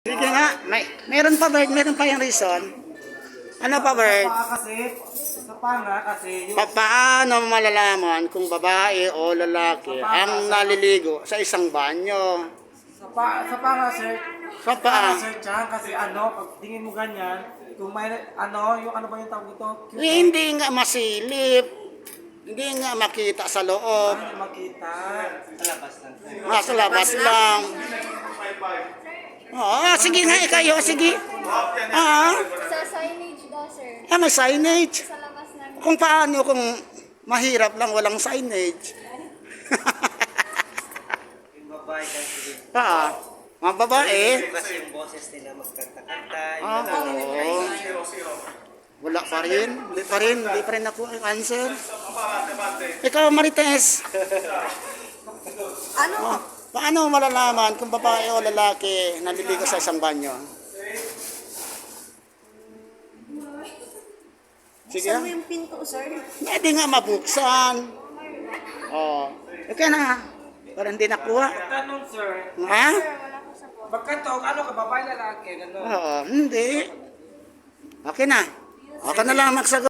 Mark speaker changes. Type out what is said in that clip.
Speaker 1: Sige nga, meron pa Bert, meron pa yung reason. Ano pa Bert?
Speaker 2: Sa panga kasi yung
Speaker 1: Paano malalaman kung babae o lalaki ang naliligo sa isang banyo?
Speaker 2: sa panga sir.
Speaker 1: Sa paa?
Speaker 2: Sir Chan kasi pag tingin mo ganyan, kung may yung ano ba yung tawag ito?
Speaker 1: Hindi nga masilip. Hindi nga makita sa loob.
Speaker 2: Hindi makita. Sa labas lang.
Speaker 1: Sa labas lang. Oo, sige nga, ikayo, sige.
Speaker 3: Sa signage daw, sir.
Speaker 1: May signage.
Speaker 3: Sa labas namin.
Speaker 1: Kung paano kung mahirap lang walang signage.
Speaker 4: Yung babae kasi
Speaker 1: Mga babae.
Speaker 4: kasi yung boses nila magkanta-kanta.
Speaker 1: Oo. Wala pa rin. Hindi pa rin ako ang answer. Ikaw, Marites.
Speaker 3: Ano?
Speaker 1: Paano malalaman kung babae o lalaki naliligo sa isang banyo? Sige.
Speaker 3: Saan mo yung pinto, sir?
Speaker 1: Pwede nga mabuksan. Okay na. Para hindi nakuha.
Speaker 2: Tanong sir,
Speaker 1: Ha?
Speaker 3: Wala ko sa phone.
Speaker 2: pagkatog, ka babae lalaki, gano'n?
Speaker 1: Oo, hindi. Okay na. Okay na lang magsagot.